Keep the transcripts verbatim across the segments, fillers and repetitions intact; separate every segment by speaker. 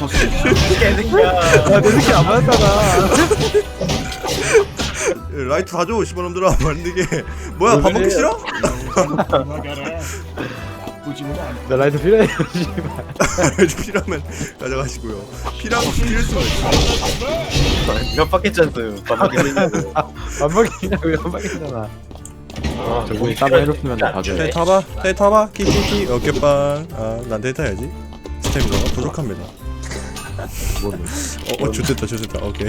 Speaker 1: 개새끼야.
Speaker 2: 야내 새끼 안 맞았잖아.
Speaker 3: 라이트 다줘 씨발놈들아. 만들게. 뭐야 밥 먹기 싫어?
Speaker 4: 나가라. 나쁘지는 않다.
Speaker 2: 나 라이트 필요해. 씨발.
Speaker 3: 라이트 필요하면 가져가시고요. 필요하면 필요할 수가 있어.
Speaker 1: 몇 바퀴 짰어요. 밥 먹기 싫냐고.
Speaker 2: 안 먹이냐고 안 먹이잖아.
Speaker 1: 아,
Speaker 2: 저분이 땀 해롭으면 나 봐줘요.
Speaker 3: 테 타봐 테 타봐 키키키 어깨빵. 아난 테 타야지. 스태미너가 부족합니다.
Speaker 2: 뭐,
Speaker 3: 어, 어 좋됐다 좋됐다. 오케이.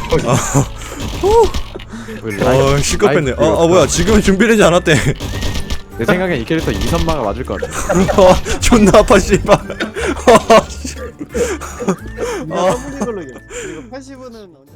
Speaker 2: 우리 라이트-
Speaker 3: 어 시끄럽네.
Speaker 2: 라이트
Speaker 3: 어, 어 뭐야 지금은 준비되지 않았대.
Speaker 2: 내 생각엔 이 캐릭터 이선마가 맞을 것 같아.
Speaker 3: 어, 존나 아파 씨발. 어, 씨.
Speaker 5: 이거 더블 이걸로 이겨. 그리고 팔십은